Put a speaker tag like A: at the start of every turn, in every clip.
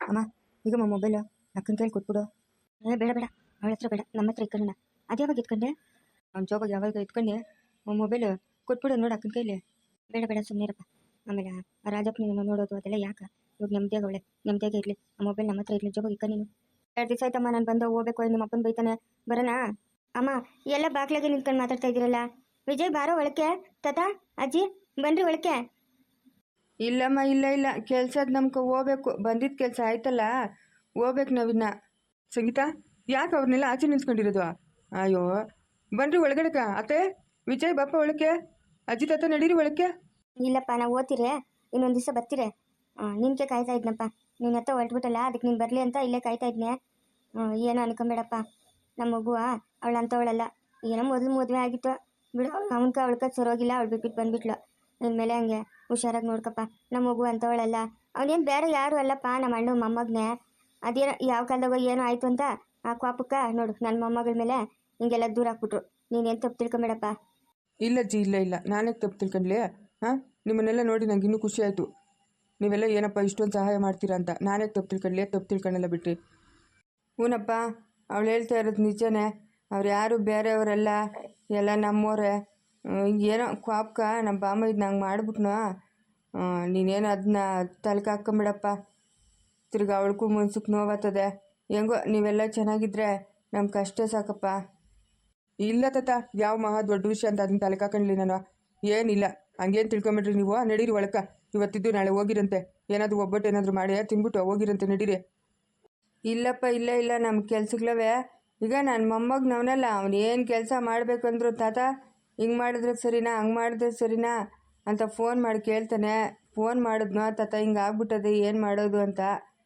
A: ಅಮ್ಮ ಈಗಮ್ಮ ಮೊಬೈಲು ಅಕ್ಕನ ಕೈಲಿ ಕೊಟ್ಬಿಡು. ಬೇಡ ಬೇಡ, ಅವಳ ಹತ್ರ ಬೇಡ, ನಮ್ಮ ಹತ್ರ ಇಟ್ಕೊಳ್ಳೋಣ. ಅದ್ಯಾವಾಗ ಇಟ್ಕೊಂಡೆ? ಅವ್ನ ಜೋಬಾಗ ಯಾವಾಗ ಇಟ್ಕೊಂಡೆ ಮೊಬೈಲು ಕೊಟ್ಬಿಡು ನೋಡು ಅಕ್ಕನ ಕೈಲಿ. ಬೇಡ ಬೇಡ ಸುಮ್ಮನಿರಪ್ಪ. ಆಮೇಲೆ ಆ ರಾಜಪ್ಪನ ನೋಡೋದು ಅದೆಲ್ಲ ಯಾಕೆ? ಇವಾಗ ನೆಮ್ಮದಿಯಾಗೆ ಇರಲಿ. ಆ ಮೊಬೈಲ್ ನಮ್ಮ ಹತ್ರ ಇರಲಿ, ಜೋಬಾಗ ಇಕ್ಕ ನೀನು. 2 ದಿವಸ ಆಯ್ತಮ್ಮ ನಾನು ಬಂದು ಹೋಗ್ಬೇಕು, ನಿಮ್ಮ ಅಪ್ಪನ ಬೈತಾನೆ. ಬರೋಣ? ಅಮ್ಮ ಎಲ್ಲ ಬಾಗ್ಲಾಗೆ ನಿಂತ್ಕೊಂಡು ಮಾತಾಡ್ತಾ ಇದ್ದೀರಲ್ಲ. ವಿಜಯ್ ಬಾರೋ ಒಳಕ್ಕೆ. ತಾತ ಅಜ್ಜಿ ಬನ್ರಿ ಒಳಕ್ಕೆ.
B: ಇಲ್ಲಮ್ಮ, ಇಲ್ಲ ಕೆಲ್ಸದ ನಮ್ಗೆ ಹೋಗ್ಬೇಕು. ಬಂದಿದ್ದ ಕೆಲಸ ಆಯ್ತಲ್ಲ, ಹೋಗ್ಬೇಕು ನಾವಿನ್ನ. ಸಂಗೀತ, ಯಾಕೆ ಅವ್ರನ್ನೆಲ್ಲ ಆಚೆ ನಿಲ್ಸ್ಕೊಂಡಿರೋದು? ಅಯ್ಯೋ ಬನ್ರಿ ಒಳಗಡೆಕ. ಅತ್ತೆ ವಿಜಯ್ ಬಾಪ ಒಳಕ್ಕೆ. ಅಜ್ಜಿ ತಾತ ನಡೀರಿ ಒಳಕ್ಕೆ.
A: ಇಲ್ಲಪ್ಪ ನಾವು ಓದ್ತೀರಿ, ಇನ್ನೊಂದು ದಿವಸ ಬರ್ತೀರಿ. ನಿನ್ಗೆ ಕಾಯ್ತಾ ಇದ್ನಪ್ಪ, ನೀನು ಹತ್ತ ಹೊರಟ್ಬಿಟ್ಟಲ್ಲ, ಅದಕ್ಕೆ ನೀನು ಬರಲಿ ಅಂತ ಇಲ್ಲೇ ಕಾಯ್ತಾ ಇದ್ನೆ. ಏನೋ ಅನ್ಕೊಂಬೇಡಪ್ಪ, ನಮ್ಮ ಮಗುವ ಅವಳು ಅಂಥವಳಲ್ಲ. ಏನೋ ಮೊದಲು ಮದುವೆ ಆಗಿತ್ತು ಬಿಡು, ಅವಳ್ಕ ಸರೋಗಿಲ್ಲ, ಅವಳು ಬಿಟ್ಬಿಟ್ಟು ಬಂದ್ಬಿಟ್ಲು. ಇನ್ಮೇಲೆ ಹಂಗೆ ಹುಷಾರಾಗಿ ನೋಡ್ಕಪ್ಪ. ನಮ್ಮ ಮಗು ಅಂಥವಳಲ್ಲ, ಅವನೇನು ಬೇರೆ ಯಾರು ಅಲ್ಲಪ್ಪ, ನಮ್ಮ ಅಣ್ಣ ಮೊಮ್ಮಗನೇ. ಅದೇನೋ ಯಾವ ಕಾಲದಾಗ ಏನೋ ಆಯಿತು ಅಂತ ಆ ಕೋಪಕ್ಕ ನೋಡು ನನ್ನ ಮೊಮ್ಮಗಳ ಮೇಲೆ ಹಿಂಗೆಲ್ಲ ದೂರ ಹಾಕ್ಬಿಟ್ರು. ನೀನೇನು ತಪ್ಪು ತಿಳ್ಕೊಂಬೇಡಪ್ಪ.
B: ಇಲ್ಲ ಅಜ್ಜಿ, ಇಲ್ಲ ನಾನೇ ತಪ್ಪು ತಿಳ್ಕೊಂಡ್ಲಿ. ಹಾಂ, ನಿಮ್ಮನ್ನೆಲ್ಲ ನೋಡಿ ನಂಗೆ ಇನ್ನೂ ಖುಷಿ ಆಯಿತು. ನೀವೆಲ್ಲ ಏನಪ್ಪ ಇಷ್ಟೊಂದು ಸಹಾಯ ಮಾಡ್ತೀರಾ ಅಂತ. ನಾನೇ ತಪ್ಪು ತಿಳ್ಕೊಂಡೆಲ್ಲ ಬಿಟ್ರಿ. ಹೂನಪ್ಪ, ಅವಳು ಹೇಳ್ತಾ ಇರೋದು ನಿಜನೇ. ಅವ್ರು ಯಾರು ಬೇರೆಯವರೆಲ್ಲ, ಎಲ್ಲ ನಮ್ಮೋರೆ. ಏನೋ ಕ್ವಾಪ್ಕ ನಮ್ಮ ಬಾಮ ಇದು ನಂಗೆ ಮಾಡ್ಬಿಟ್ನು. ನೀನೇನು ಅದನ್ನ ತಲೆಗೆ ಹಾಕ್ಕೊಂಬಿಡಪ್ಪ. ತಿರ್ಗಿ ಅವಳಿಗೂ ಮನ್ಸಕ್ಕೆ ನೋವಾಗ್ತದೆ. ಹೆಂಗೋ ನೀವೆಲ್ಲ ಚೆನ್ನಾಗಿದ್ರೆ ನಮ್ಗೆ ಅಷ್ಟೇ ಸಾಕಪ್ಪ. ಇಲ್ಲ ತಾತ, ಯಾವ ಮಹಾ ದೊಡ್ಡ ವಿಷಯ ಅಂತ ಅದನ್ನ ತಲೆಗೆ ಹಾಕೊಂಡ್ಲಿ ನಾನು. ಏನಿಲ್ಲ, ಹಂಗೇನು ತಿಳ್ಕೊಂಬಿಟ್ರಿ ನೀವು. ನಡೀರಿ ಒಳಕ. ಇವತ್ತಿದ್ದು ನಾಳೆ ಹೋಗಿರಂತೆ. ಏನಾದರೂ ಒಬ್ಬಟ್ಟು ಏನಾದರೂ ಮಾಡಿ ತಿನ್ಬಿಟ್ಟು ಹೋಗಿರಂತೆ, ನಡೀರಿ. ಇಲ್ಲಪ್ಪ, ಇಲ್ಲ ನಮ್ಮ ಕೆಲ್ಸಗಳವೆ. ಈಗ ನನ್ನ ಮೊಮ್ಮಗನವನಲ್ಲ, ಅವ್ನು ಏನು ಕೆಲಸ ಮಾಡಬೇಕಂದ್ರು ತಾತ ಹಿಂಗೆ ಮಾಡಿದ್ರೆ ಸರಿನಾ, ಹಂಗೆ ಮಾಡಿದ್ರೆ ಸರಿನಾ ಅಂತ ಫೋನ್ ಮಾಡಿ ಕೇಳ್ತಾನೆ. ಫೋನ್ ಮಾಡಿದ್ನೋ ತಾತ, ಹಿಂಗೆ ಆಗ್ಬಿಟ್ಟದೆ, ಏನು ಮಾಡೋದು ಅಂತ.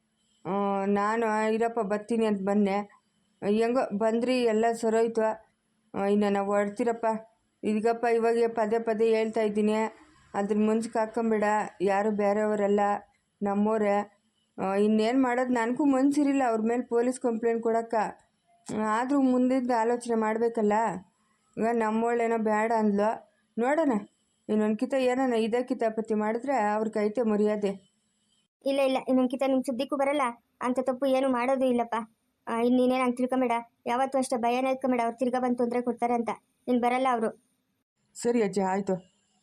B: ನಾನು ಇರಪ್ಪ ಬರ್ತೀನಿ ಅಂತ ಬಂದೆ. ಹೆಂಗೋ ಬಂದ್ರಿ, ಎಲ್ಲ ಸರೋಯ್ತು. ಇನ್ನು ನಾವು ಹೊಡ್ತೀರಪ್ಪ. ಈಗಪ್ಪ ಇವಾಗ ಪದೇ ಹೇಳ್ತಾ ಇದ್ದೀನಿ, ಅದ್ರ ಮುನ್ಸಿಗೆ ಹಾಕ್ಕೊಂಬೇಡ. ಯಾರು ಬೇರೆಯವರೆಲ್ಲ ನಮ್ಮೋರೆ. ಇನ್ನೇನು ಮಾಡೋದು, ನನಗೂ ಮನ್ಸಿರಿಲ್ಲ ಅವ್ರ ಮೇಲೆ ಪೊಲೀಸ್ ಕಂಪ್ಲೇಂಟ್ ಕೊಡೋಕ್ಕೆ. ಆದರೂ ಮುಂದಿದ್ದು ಆಲೋಚನೆ ಮಾಡಬೇಕಲ್ಲ. ಈಗ ನಮ್ಮೋಳೇನೋ ಬೇಡ ಅಂದ್ಲು. ನೋಡೋಣ, ಇನ್ನೊಂದ್ಕಿತ ಏನಾನ ಇದೇ ಕಿತಾಪತಿ ಮಾಡಿದ್ರೆ ಅವ್ರ ಕೈತೆ ಮರ್ಯಾದೆ.
A: ಇಲ್ಲ ಇನ್ನೊಂದ್ಕಿತ ನಿಮ್ಮ ಸುದ್ದಿಕ್ಕೂ ಬರಲ್ಲ. ಅಂಥ ತಪ್ಪು ಏನು ಮಾಡೋದು ಇಲ್ಲಪ್ಪ. ಇನ್ನೇನು ಹಂಗೆ ತಿಳ್ಕೊಂಬೇಡ. ಯಾವತ್ತೂ ಅಷ್ಟೇ ಭಯನೇ ಇಟ್ಕೊಂಬೇಡ, ಅವ್ರು ತಿರ್ಗಾ ಬಂದು ತೊಂದರೆ ಕೊಡ್ತಾರೆ ಅಂತ. ಇನ್ನು ಬರಲ್ಲ ಅವರು.
B: ಸರಿ ಅಜ್ಜಿ, ಆಯಿತು.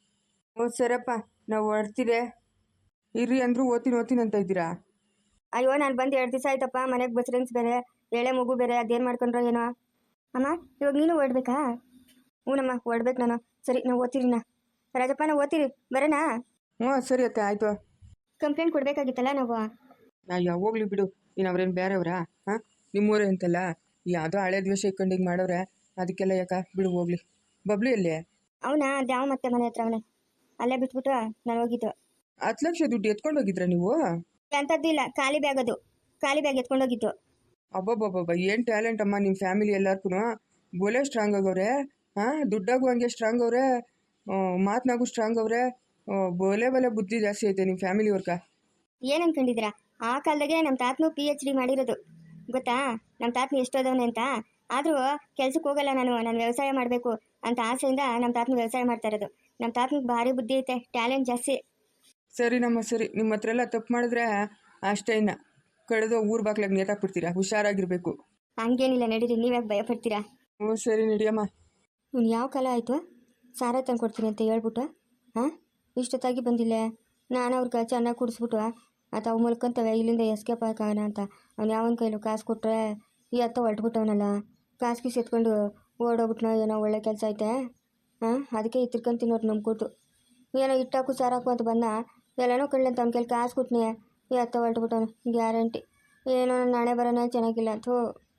B: ಸರಪ್ಪ, ನಾವು ಹೊಡ್ತೀರಿ. ಇರ್ರಿ ಅಂದರೂ ಓದ್ತೀನಿ ಅಂತ ಇದ್ದೀರಾ?
A: ಅಯ್ಯೋ ನಾನು ಬಂದು 2 ದಿವಸ ಆಯ್ತಪ್ಪ. ಮನೆಗೆ ಬಸ್ರೆನ್ಸ್ ಬೇರೆ, ಎಳೆ ಮಗು ಬೇರೆ, ಅದೇನು ಮಾಡ್ಕೊಂಡ್ರೋ ಏನೋ. ಅಮ್ಮ ಇವಾಗ ನೀನು ಓಡ್ಬೇಕಾ? ಹ್ಞೂನಮ್ಮ ಓಡ್ಬೇಕು ನಾನು. ಸರಿ ನಾವು ಓದ್ತೀರಿನಾ ರಾಜಪ್ಪ, ನಾವು ಓದ್ತೀರಿ, ಬರೋಣ?
B: ಸರಿ ಅತ್ತೆ, ಆಯಿತು.
A: ಕಂಪ್ಲೇಂಟ್ ಕೊಡಬೇಕಾಗಿತ್ತಲ್ಲ ನಾವು.
B: ಹೋಗ್ಲಿ ಬಿಡು, ಇನ್ನು ಅವ್ರೇನು ಬೇರೆಯವರಾ? ಹಾಂ, ನಿಮ್ಮೂರೇ ಅಂತಲ್ಲ. ಯಾವುದೋ ಹಳೆ ದ್ವೇಷ ಇಟ್ಕೊಂಡು ಹಿಂಗೆ ಮಾಡೋರೆ, ಅದಕ್ಕೆಲ್ಲ ಯಾಕೆ ಬಿಡು, ಹೋಗ್ಲಿ. ಬಬ್ಲಿ ಅಲ್ಲೇ
A: ಅವನಾ? ಅದ್ಯಾವ ಮತ್ತೆ ಮನೆ ಹತ್ರ ಅವನೇ, ಅಲ್ಲೇ ಬಿಟ್ಬಿಟ್ಟು ನಾನು ಹೋಗಿದ್ದು.
B: 10 ಲಕ್ಷ ದುಡ್ಡು ಎತ್ಕೊಂಡು ಹೋಗಿದ್ರ ನೀವು?
A: ಅಂಥದ್ದು ಇಲ್ಲ, ಖಾಲಿ ಬ್ಯಾಗ್ ಎತ್ಕೊಂಡೋಗಿದ್ದು.
B: ಅಬ್ಬಬ್ಬಬ್ಬ, ಏನು ಟ್ಯಾಲೆಂಟ್ ಅಮ್ಮ ನಿಮ್ಮ ಫ್ಯಾಮಿಲಿ ಎಲ್ಲಾರ್ಗೂ. ಬೋಲೆ ಸ್ಟ್ರಾಂಗ್ ಆಗವ್ರೆ. ಹಾಂ, ದುಡ್ಡಾಗೂ ಹಂಗೆ ಸ್ಟ್ರಾಂಗ್ ಅವ್ರೆ, ಮಾತನಾಗೂ ಸ್ಟ್ರಾಂಗ್ ಅವ್ರೆ. ಬೋಲೆ ಬುದ್ಧಿ ಜಾಸ್ತಿ ಐತೆ ನಿಮ್ಮ ಫ್ಯಾಮಿಲಿಯವ್ರಕ.
A: ಏನು ಅನ್ಕೊಂಡಿದ್ದೀರಾ? ಆ ಕಾಲದಾಗೆ ನಮ್ಮ ತಾತನು PhD ಮಾಡಿರೋದು ಗೊತ್ತಾ? ನಮ್ಮ ತಾತನು ಎಷ್ಟೋದವನೆ ಅಂತ. ಆದರೂ ಕೆಲ್ಸಕ್ಕೆ ಹೋಗಲ್ಲ ನಾನು ವ್ಯವಸಾಯ ಮಾಡಬೇಕು ಅಂತ ಆಸೆಯಿಂದ ನಮ್ಮ ತಾತನು ವ್ಯವಸಾಯ ಮಾಡ್ತಾ ಇರೋದು. ನಮ್ಮ ತಾತನಿಗೆ ಭಾರಿ ಬುದ್ಧಿ ಐತೆ, ಟ್ಯಾಲೆಂಟ್ ಜಾಸ್ತಿ.
B: ಸರಿನಮ್ಮ, ಸರಿ. ನಿಮ್ಮ ಹತ್ರ ಎಲ್ಲ ತಪ್ಪು ಮಾಡಿದ್ರೆ ಅಷ್ಟೇ, ಇನ್ನು ಕಳೆದು ಊರು ಬಾಕ್ಲಾಗ ನೇತಾಕ್ಬಿಡ್ತೀರಾ. ಹುಷಾರಾಗಿರ್ಬೇಕು.
A: ಹಂಗೇನಿಲ್ಲ, ನಡೀರಿ, ನೀವ್ಯಾಕೆ ಭಯ ಪಡ್ತೀರಾ?
B: ಸರಿ ನಡಿಯಮ್ಮ.
A: ಇವ್ನು ಯಾವ ಕಾಲ ಆಯಿತು ಸಾರ ತಂದು ಕೊಡ್ತೀನಿ ಅಂತ ಹೇಳ್ಬಿಟ್ಟು ಹಾಂ ಇಷ್ಟೊತ್ತಾಗಿ ಬಂದಿಲ್ಲ. ನಾನು ಅವ್ರಿಗೆ ಚೆನ್ನಾಗಿ ಕುಡಿಸ್ಬಿಟ್ಟು ಅವು ಮುಲ್ಕೊಂತವೆ, ಇಲ್ಲಿಂದ ಎಸ್ಕೇಪ್ ಆಗೋಣ ಅಂತ. ಅವ್ನು ಯಾವನ ಕೈಲೂ ಕಾಸು ಕೊಟ್ಟರೆ ಈ ಹತ್ತ ಹೊರಟ್ಬಿಟ್ಟವನಲ್ಲ. ಕಾಸು ಗೀಸು ಎತ್ಕೊಂಡು ಓಡೋಗ್ಬಿಟ್ನೋ ಏನೋ. ಒಳ್ಳೆ ಕೆಲಸ ಐತೆ. ಅದಕ್ಕೆ ತಿರ್ಕೊಂತಿನೋರು ನಂಬ್ಕೊಟ್ಟು ಏನೋ ಇಟ್ಟಾಕು ಸಾರಾಕು ಅಂತ ಬಂದ. ಎಲ್ಲನೋ ಕಳ್ಳಂತ ಅವ್ನ ಕೈಲಿ ಕಾಸು ಕೊಟ್ಟನೆ, ಈ ಹತ್ತ ಹೊರಟ್ಬಿಟ್ಟವನು ಗ್ಯಾರಂಟಿ. ಏನೋ ನಾಳೆ ಬರೋಣ ಚೆನ್ನಾಗಿಲ್ಲ ಅಂತ.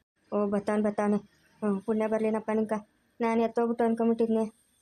A: ಬರ್ತಾನೆ. ಪುಣ್ಯ ಬರಲಿನಪ್ಪ ನಿಂಕ. ನಾನು ಎತ್ತೋಗ್ಬಿಟ್ಟು ಅನ್ಕೊಂಬಿಟ್ಟಿದ್ನೆ.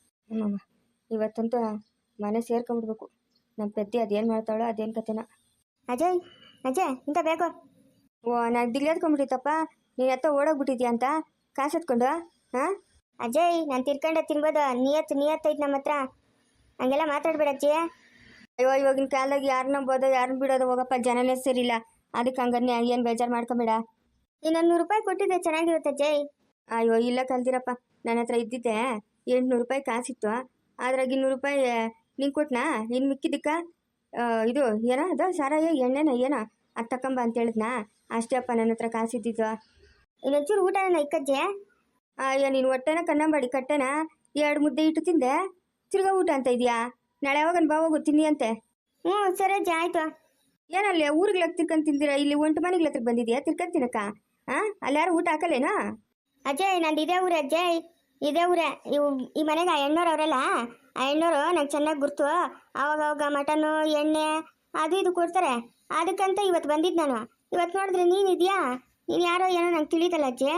A: ಇವತ್ತಂತೂ ಮನೆ ಸೇರ್ಕೊಂಬಿಡ್ಬೇಕು. ನಮ್ಮ ಪೆದ್ದಿ ಅದೇನು ಮಾಡ್ತಾಳೋ ಅದೇನು ಕತೆನ. ಅಜಯ್ ಇಂಥ ಬೇಕು. ನಾನು ದಿಗ್ಲೇದ್ಕೊಂಬಿಟ್ಟಿತ್ತಪ್ಪ, ನೀನು ಎತ್ತೋ ಓಡೋಗ್ಬಿಟ್ಟಿದ್ಯಾ ಅಂತ ಕಾಸು ಎತ್ಕೊಂಡು. ಅಜಯ್, ನಾನು ತಿರ್ಕೊಂಡೆ ತಿನ್ಬೋದು. ನಿಯತ್ತೈತೆ ನಮ್ಮ ಹತ್ರ. ಹಂಗೆಲ್ಲ ಮಾತಾಡ್ಬೇಡ ಅಜ್ಜಿ. ಅಯ್ಯೋ, ಇವಾಗಿನ ಕಾಲದಾಗ ಯಾರು ನಂಬೋದು ಯಾರನ್ನ ಬಿಡೋದು? ಹೋಗಪ್ಪ, ಜನನೇ ಸರಿಯಿಲ್ಲ. ಅದಕ್ಕೆ ಹಂಗನ್ನೇ, ಏನು ಬೇಜಾರು ಮಾಡ್ಕೊಂಬೇಡ. ಇನ್ನೊಂದು 100 ರೂಪಾಯಿ ಕೊಟ್ಟಿದ್ದೆ ಚೆನ್ನಾಗಿರುತ್ತೆ ಅಜ್ಜಯ್. ಅಯ್ಯೋ ಇಲ್ಲ ಕಲ್ದಿರಪ್ಪ, ನನ್ನ ಹತ್ರ ಇದ್ದಿದ್ದೆ 800 ರೂಪಾಯಿ ಕಾಸಿತ್ತು. ಅದ್ರಾಗ 200 ರೂಪಾಯಿ ನಿಂಗೆ ಕೊಟ್ಟನಾ? ಇನ್ನು ಮಿಕ್ಕಿದ್ದಕ್ಕ ಇದು ಏನೋ ಅದು ಸಾರಾಯಿ ಎಣ್ಣೆನ ಏನೋ ಅದು ತಕೊಂಬ ಅಂತ ಹೇಳಿದ್ನಾ ಅಷ್ಟೇ ಅಪ್ಪ ನನ್ನ ಹತ್ರ ಕಾಸಿದ್ದಿದ್ದು. ಇನ್ನೊಂಚೂರು ಊಟನ ಇಕ್ಕಜ್ಜೆ. ಅಯ್ಯೋ ನೀನು ಹೊಟ್ಟೆನ ಕನ್ನಂಬಾಡಿ ಕಟ್ಟೆನ 2 ಮುದ್ದೆ ಇಟ್ಟು ತಿಂದೆ, ತಿರ್ಗಾ ಊಟ ಅಂತ ಇದೆಯಾ? ನಾಳೆ ಯಾವಾಗನ್ ಬಾ ಹೋಗು ತಿನ್ನಿ ಅಂತೆ. ಹ್ಞೂ ಸರಿ ಅಜ್ಜಿ ಆಯ್ತು. ಏನಲ್ಲೇ ಊರಿಗೆ ತಿರ್ಕೊಂಡು ತಿಂದಿರಾ, ಇಲ್ಲಿ ಒಂಟು ಮನೆಗೆ ಹತ್ರಕ್ಕೆ ಬಂದಿದ್ಯಾ ತಿರ್ಕೊಂಡು ತಿನ್ನಕ್ಕ? ಅಲ್ಲಿ ಯಾರು ಊಟ ಹಾಕಲ್ಲೇನೋ? ಅಜಯ್ ನಂದು ಇದೇ ಊರೇ ಅಜ್ಜಯ್, ಇದೇ ಊರೇ. ಈ ಮನೆಗೆ ಆ ಹೆಣ್ಣೋರು ಅವರಲ್ಲ, ಆ ಹೆಣ್ಣೋರು ನಂಗೆ ಚೆನ್ನಾಗಿ ಗುರ್ತು. ಅವಾಗ ಮಟನ್ನು ಎಣ್ಣೆ ಅದು ಇದು ಕೊಡ್ತಾರೆ. ಅದಕ್ಕಂತ ಇವತ್ತು ಬಂದಿದ್ದು ನಾನು. ಇವತ್ತು ನೋಡಿದ್ರೆ ನೀನಿದ್ಯಾ? ನೀನು ಯಾರೋ ಏನೋ ನಂಗೆ ತಿಳಿದಲ್ಲ ಅಜ್ಜಿ.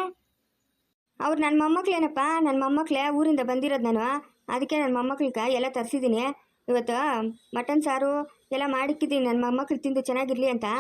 A: ಅವ್ರು ನನ್ನ ಮೊಮ್ಮಕ್ಳೇನಪ್ಪ, ನನ್ನ ಮೊಮ್ಮಕ್ಳೇ ಊರಿಂದ ಬಂದಿರೋದು ನಾನು. ಅದಕ್ಕೆ ನನ್ನ ಮೊಮ್ಮಕ್ಳಿಗೆ ಎಲ್ಲ ತರಿಸಿದ್ದೀನಿ. ಇವತ್ತು ಮಟನ್ ಸಾರು ಎಲ್ಲ ಮಾಡಿಕ್ಕಿದ್ದೀನಿ ನನ್ನ ಮೊಮ್ಮಕ್ಳು ತಿಂದು ಚೆನ್ನಾಗಿರ್ಲಿ ಅಂತ.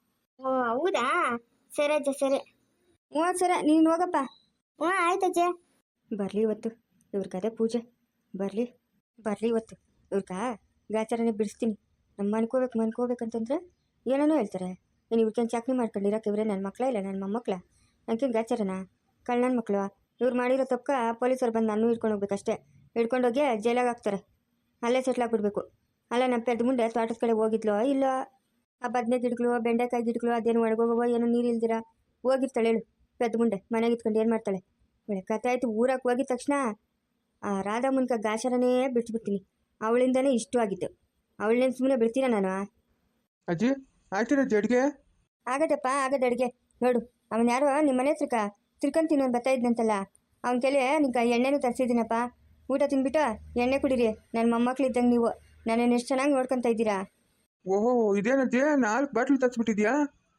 A: ಓ ಹೌದಾ, ಸರಿ ಅಜ್ಜ ಸರಿ. ಹ್ಞೂ ಸರಿ ನೀನು ಹೋಗಪ್ಪ. ಹ್ಞೂ ಆಯ್ತಜ್ಜೆ. ಬರಲಿ ಇವತ್ತು ಇವ್ರಿಗೆ ಅದೇ ಪೂಜೆ. ಬರಲಿ ಇವತ್ತು ಇವ್ರಿಗೆ ಗಾಚಾರನೇ ಬಿಡಿಸ್ತೀನಿ. ನಮ್ಮ ಮನ್ಕೋಬೇಕಂತಂದ್ರೆ ಏನೇನೋ ಹೇಳ್ತಾರೆ. ನೀನು ಇವ್ರಿಗೇನು ಚಾಕ್ನಿ ಮಾಡ್ಕೊಂಡಿರೋಕೆ ಇವರೇ ನನ್ನ ಮಕ್ಕಳ ಇಲ್ಲ ನನ್ನ ಮೊಮ್ಮಕ್ಕಳ? ನನಗೇನು ಗಾಚಾರನ? ಕಳ್ಳನ ಮಕ್ಕಳು ಇವ್ರು ಮಾಡಿರೋ ತಪ್ಪ ಪೊಲೀಸರು ಬಂದು ನಾನು ಹಿಡ್ಕೊಂಡು ಹೋಗ್ಬೇಕಷ್ಟೇ. ಹಿಡ್ಕೊಂಡೋಗಿ ಜೈಲಾಗ ಹಾಕ್ತಾರೆ. ಅಲ್ಲೇ ಸೆಟ್ಲಾಗ್ಬಿಡ್ಬೇಕು. ಅಲ್ಲ ನಮ್ಮ ಪೆದ್ದ ಮುಂದೆ ತೋಟದ ಕಡೆ ಹೋಗಿದ್ಲೋ ಇಲ್ಲೋ, ಆ ಬದನೆ ಗಿಡಗಳು ಬೆಂಡೆಕಾಯಿ ಗಿಡಗಳು ಅದೇನು ಒಳಗೋಗವೋ ಏನೋ ನೀರು ಇಲ್ದಿರ ಹೋಗಿರ್ತಾಳೆ ಹೇಳು. ಪೆದ್ದ ಮುಂದೆ ಮನೆಗೆ ಇತ್ಕೊಂಡು ಏನು ಮಾಡ್ತಾಳೆ? ಒಳ್ಳೆ ಕತೆ ಆಯಿತು. ಊರಕ್ಕೆ ಹೋಗಿದ ತಕ್ಷಣ ಆ ರಾಧಾ ಮುನ್ಕ ಗಾಚಾರನೇ ಬಿಟ್ಬಿಡ್ತೀನಿ. ಅವಳಿಂದನೇ ಇಷ್ಟು ಆಗಿತ್ತು. ಅವಳನ್ನೇನು ಸುಮ್ಮನೆ ಬಿಡ್ತೀನ ನಾನು?
B: ಅಜ್ಜಿ ಆಯ್ತಿರ ಅಡ್ಗೆ?
A: ಆಗದಪ್ಪ ಆಗದ ಅಡುಗೆ. ನೋಡು ಅವನು ಯಾರೋ ನಿಮ್ಮ ಮನೆ ಹತ್ರಕ್ಕ ತಿರ್ಕೊಂಡು ಬರ್ತಾ ಇದ್ನಂತಲ್ಲ, ಅವನ ಕೈಲಿ ನಿಂಗೆ ಎಣ್ಣೆನೂ ತರಿಸಿದ್ದೀನಪ್ಪ. ಊಟ ತಿಂದ್ಬಿಟ್ಟು ಎಣ್ಣೆ ಕುಡೀರಿ. ನನ್ನ ಮೊಮ್ಮಕ್ಳಿದ್ದಂಗೆ ನೀವು ನನ್ನನ್ನು ಎಷ್ಟು ಚೆನ್ನಾಗಿ ನೋಡ್ಕೊತಾ ಇದ್ದೀರಾ.
B: ಓಹೋ ಇದೇನಜ್ಜಿ 4 ಬಾಟ್ಲು ತರಿಸ್ಬಿಟ್ಟಿದ್ಯಾ?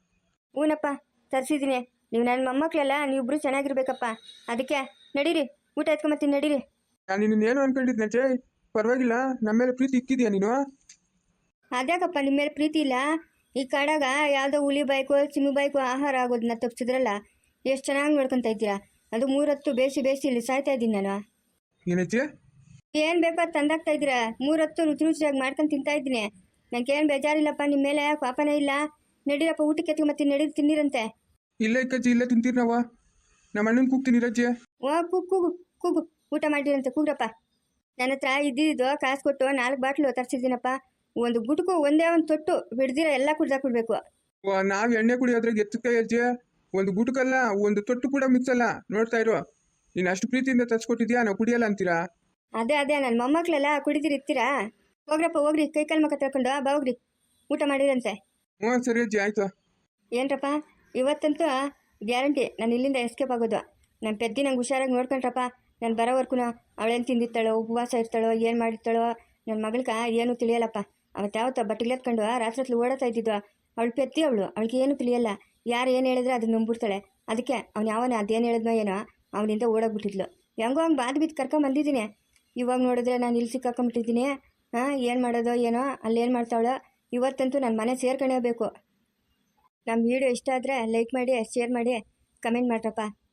A: ಹೂನಪ್ಪ ತರಿಸಿದ್ದೀನಿ. ನೀವು ನನ್ನ ಮೊಮ್ಮಕ್ಳೆಲ್ಲ ನೀವಿಬ್ರು ಚೆನ್ನಾಗಿರ್ಬೇಕಪ್ಪ. ಅದಕ್ಕೆ ನಡೀರಿ ಊಟ ಎತ್ಕೊಂಬತ್ತೀನಿ ನಡೀರಿ.
B: ನಾನು ನಿನ್ನೇನು ಅನ್ಕೊಂಡಿದ್ನಜ್ಜಿ, ಪರವಾಗಿಲ್ಲ ನಮ್ಮ ಮೇಲೆ ಪ್ರೀತಿ ಇಕ್ಕಿದ್ಯಾ ನೀನು?
A: ಅದ್ಯಾಕಪ್ಪ ನಿಮ್ಮ ಮೇಲೆ ಪ್ರೀತಿ ಇಲ್ಲ? ಈ ಕಾಡಾಗ ಯಾವುದೋ ಹುಲಿ ಬೈಕು ಚಿಮ್ಮು ಬೈಕು ಆಹಾರ ಆಗೋದನ್ನ ತಪ್ಪಿಸಿದ್ರಲ್ಲ, ಎಷ್ಟು ಚೆನ್ನಾಗಿ ನೋಡ್ಕೊತಾ ಇದ್ದೀರಾ. ಅದು 3 ಹೊತ್ತು ಬೇಯಿಸಿ ಇಲ್ಲಿ ಸಾಯ್ತಾ ಇದ್ದೀನಿ ನಾನು.
B: ಏನಜ್ಜಿ?
A: ಏನು ಬೇಕೋ ಅದು ತಂದಾಗ್ತಾ ಇದ್ದೀರಾ. 3 ಹೊತ್ತು ರುಚಿಯಾಗಿ ಮಾಡ್ಕೊಂಡು ತಿಂತಾ ಇದ್ದೀನಿ. ನನಗೇನು ಬೇಜಾರಿಲ್ಲಪ್ಪ ನಿಮ್ಮ ಮೇಲೆ, ಪಾಪನೇ ಇಲ್ಲ. ನಡೀರಪ್ಪ ಊಟಕ್ಕೆ ಎತ್ಕೊಂಬತ್ತೀನಿ ನಡೀರಿ ತಿನ್ನಿರಂತೆ.
B: ಇಲ್ಲ ಇಕ್ಕಜ್ಜಿ ಇಲ್ಲೇ ತಿಂತೀರಿ ನಾವು. ನಮ್ಮ ಅಣ್ಣನ ಕೂಗ್ತೀನಿ ರಜ್ಜಿ.
A: ಓ ಕೂಗು ಊಟ ಮಾಡಿರಂತೆ ಕೂಗ್ರಪ್ಪ. ನನ್ನ ಹತ್ರ ಇದ್ದಿದ್ದು ಕಾಸು ಕೊಟ್ಟು 4 ಬಾಟ್ಲು ತರಿಸಿದ್ದೀನಪ್ಪ. ಒಂದು ಗುಟುಕು ಒಂದೇ ಒಂದು ತೊಟ್ಟು ಬಿಡ್ದಿರ ಎಲ್ಲ ಕುಡ್ದಾಕ್ಬಿಡ್ಬೇಕು.
B: ನಾವು ಎಣ್ಣೆ ಕುಡಿಯೋದ್ರಾಗ ಎತ್ತುತ್ತೆ ಅಜ್ಜಿ. ಒಂದು ಗುಟುಕಲ್ಲ ಒಂದು ತೊಟ್ಟು ಕೂಡ ಮಿಕ್ಸ್ ಅಲ್ಲ. ನೋಡ್ತಾ ಇರೋ ನೀನು ಅಷ್ಟು ಪ್ರೀತಿಯಿಂದ ತರ್ಸ್ಕೊಟ್ಟಿದ್ಯಾ, ನಾವು ಕುಡಿಯಲ್ಲ ಅಂತೀರಾ?
A: ಅದೇ ನನ್ನ ಮೊಮ್ಮಕ್ಳೆಲ್ಲ ಕುಡಿದಿರಿ ಇರ್ತೀರಾ? ಹೋಗ್ರಿ ಕೈ ಕಾಲು ಮಕ್ಕ ತಳ್ಕೊಂಡು ಬಾ ಹೋಗ್ರಿ ಊಟ ಮಾಡಿರಂತೆ.
B: ಹ್ಞೂ ಸರಿ ಅಜ್ಜಿ ಆಯ್ತು.
A: ಏನ್ರಪ್ಪ ಇವತ್ತಂತೂ ಗ್ಯಾರಂಟಿ ನಾನು ಇಲ್ಲಿಂದ ಎಸ್ಕೇಪ್ ಆಗೋದು. ನನ್ನ ಪೆದ್ದಿ ನಂಗೆ ಹುಷಾರಾಗಿ ನೋಡ್ಕೊಂಡ್ರಪ್ಪ. ನಾನು ಬರೋವರೆಗೂ ಅವಳೇನು ತಿಂದಿರ್ತಾಳೋ ಉಪವಾಸ ಇರ್ತಾಳೋ ಏನು ಮಾಡಿರ್ತಾಳೋ ನನ್ನ ಮಗಳ್ಕ ಏನೂ ತಿಳಿಯಲ್ಲಪ್ಪ. ಅವತ್ತು ಯಾವತ್ತೋ ಬಟ್ಟೆಗ್ಲೆತ್ಕೊಂಡು ರಾತ್ರಿ ಓಡಾಡ್ತಾ ಇದ್ದಿದ್ದು ಅವಳು ಪೆದ್ದಿ. ಅವಳಿಗೆ ಏನೂ ತಿಳಿಯಲ್ಲ. ಯಾರು ಏನು ಹೇಳಿದ್ರೆ ಅದನ್ನ ನಂಬಿಡ್ತಾಳೆ. ಅದಕ್ಕೆ ಅವ್ನು ಯಾವನ ಅದೇನು ಹೇಳಿದ್ನೋ ಏನೋ ಅವನಿಂದ ಓಡೋಗ್ಬಿಟ್ಟಿದ್ಲು. ಹೆಂಗೋ ಹಂಗೆ ಬಾದ್ ಬಿದ್ದು ಕರ್ಕೊಂಬಂದಿದ್ದೀನಿ. ಇವಾಗ ನೋಡಿದ್ರೆ ನಾನು ಇಲ್ಲಿ ಸಿಕ್ಕಾಕೊಂಬಿಟ್ಟಿದ್ದೀನಿ. ಏನು ಮಾಡೋದೋ ಏನೋ ಅಲ್ಲೇನು ಮಾಡ್ತಾವಳೋ. ಇವತ್ತಂತೂ ನನ್ನ ಮನೆ ಸೇರ್ಕೊಳ್ಳೇಬೇಕು. ನಮ್ಮ ವಿಡಿಯೋ ಇಷ್ಟ ಆದರೆ ಲೈಕ್ ಮಾಡಿ, ಶೇರ್ ಮಾಡಿ, ಕಮೆಂಟ್ ಮಾಡ್ರಪ್ಪ.